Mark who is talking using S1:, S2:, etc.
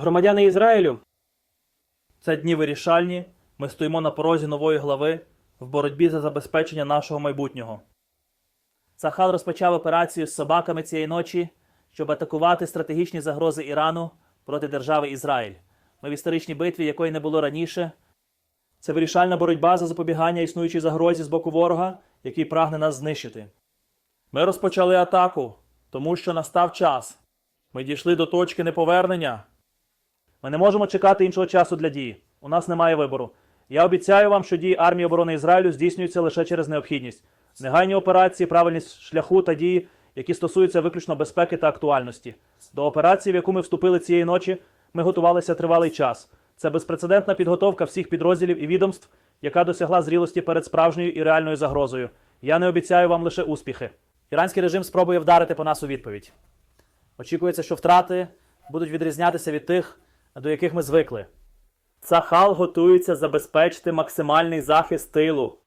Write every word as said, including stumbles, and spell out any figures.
S1: Громадяни Ізраїлю, це дні вирішальні. Ми стоїмо на порозі нової глави в боротьбі за забезпечення нашого майбутнього. Цахал розпочав операцію з собаками цієї ночі, щоб атакувати стратегічні загрози Ірану проти держави Ізраїль. Ми в історичній битві, якої не було раніше. Це вирішальна боротьба за запобігання існуючій загрозі з боку ворога, який прагне нас знищити. Ми розпочали атаку, тому що настав час. Ми дійшли до точки неповернення. Ми не можемо чекати іншого часу для дії. У нас немає вибору. Я обіцяю вам, що дії армії оборони Ізраїлю здійснюються лише через необхідність. Негайні операції, правильність шляху та дії, які стосуються виключно безпеки та актуальності. До операції, в яку ми вступили цієї ночі, ми готувалися тривалий час. Це безпрецедентна підготовка всіх підрозділів і відомств, яка досягла зрілості перед справжньою і реальною загрозою. Я не обіцяю вам лише успіхи. Іранський режим спробує вдарити по нас у відповідь. Очікується, що втрати будуть відрізнятися від тих, до яких ми звикли. Цахал готується забезпечити максимальний захист тилу.